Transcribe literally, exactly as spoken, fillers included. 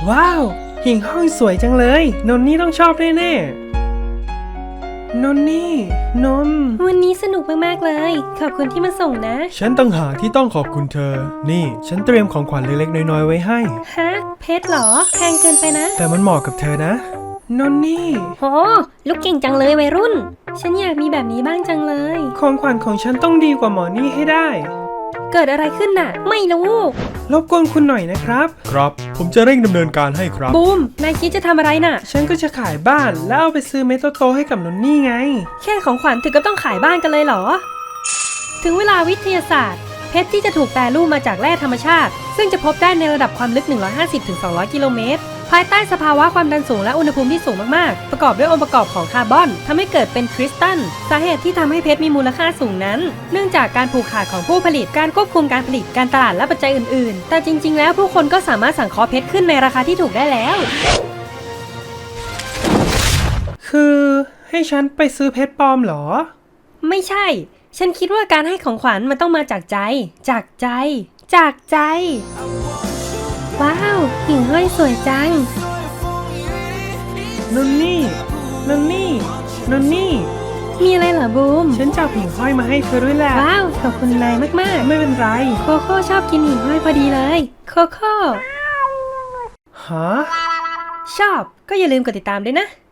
ว้าวหิ่งห้อยสวยจังเลยนนนี่ต้องชอบแน่ๆนนนี่นนวันนี้สนุกมากๆเลยขอบคุณที่มาส่งนะฉันต่างหากที่ต้องขอบคุณเธอนี่ฉันเตรียมของขวัญเล็กๆน้อยๆไว้ให้ฮะเพชรเหรอแพงเกินไปนะแต่มันเหมาะกับเธอนะนนนี่โหลูกเก่งจังเลยวัยรุ่นฉันอยากมีแบบนี้บ้างจังเลยของขวัญของฉันต้องดีกว่าหมอนี่ให้ได้เกิดอะไรขึ้นน่ะไม่รู้รบกวนคุณหน่อยนะครับครับผมจะเร่งดำเนินการให้ครับบูมนายคิดจะทำอะไรน่ะฉันก็จะขายบ้านแล้วเอาไปซื้อเมโตโตให้กับนนนี่ไงแค่ของขวัญถึงก็ต้องขายบ้านกันเลยเหรอถึงเวลาวิทยาศาสตร์เพชรที่จะถูกแปรรูปมาจากแร่ธรรมชาติซึ่งจะพบได้ในระดับความลึก หนึ่งร้อยห้าสิบถึงสองร้อย กิโลเมตรภายใต้สภาวะความดันสูงและอุณหภูมิที่สูงมากๆประกอบด้วยองค์ประกอบของคาร์บอนทำให้เกิดเป็นคริสตัลสาเหตุที่ทำให้เพชรมีมูลค่าสูงนั้นเนื่องจากการผูกขาดของผู้ผลิตการควบคุมการผลิตการตลาดและปัจจัยอื่นๆแต่จริงๆแล้วผู้คนก็สามารถสั่งเคาะเพชรขึ้นในราคาที่ถูกได้แล้วคือให้ฉันไปซื้อเพชรปลอมเหรอไม่ใช่ฉันคิดว่าการให้ของขวัญมันต้องมาจากใจจากใจจากใจว้าวหิ่งห้อยสวยจังนนนี่นนนี่นนนี่มีอะไรเหรอบูมฉันจับหิ่งห้อยมาให้เธอด้วยแหละว้าวขอบคุณนายมากๆไม่เป็นไรโคโค่ชอบกินหิ่งห้อยพอดีเลยโคโค่ฮะชอบก็อย่าลืมกดติดตามด้วยนะ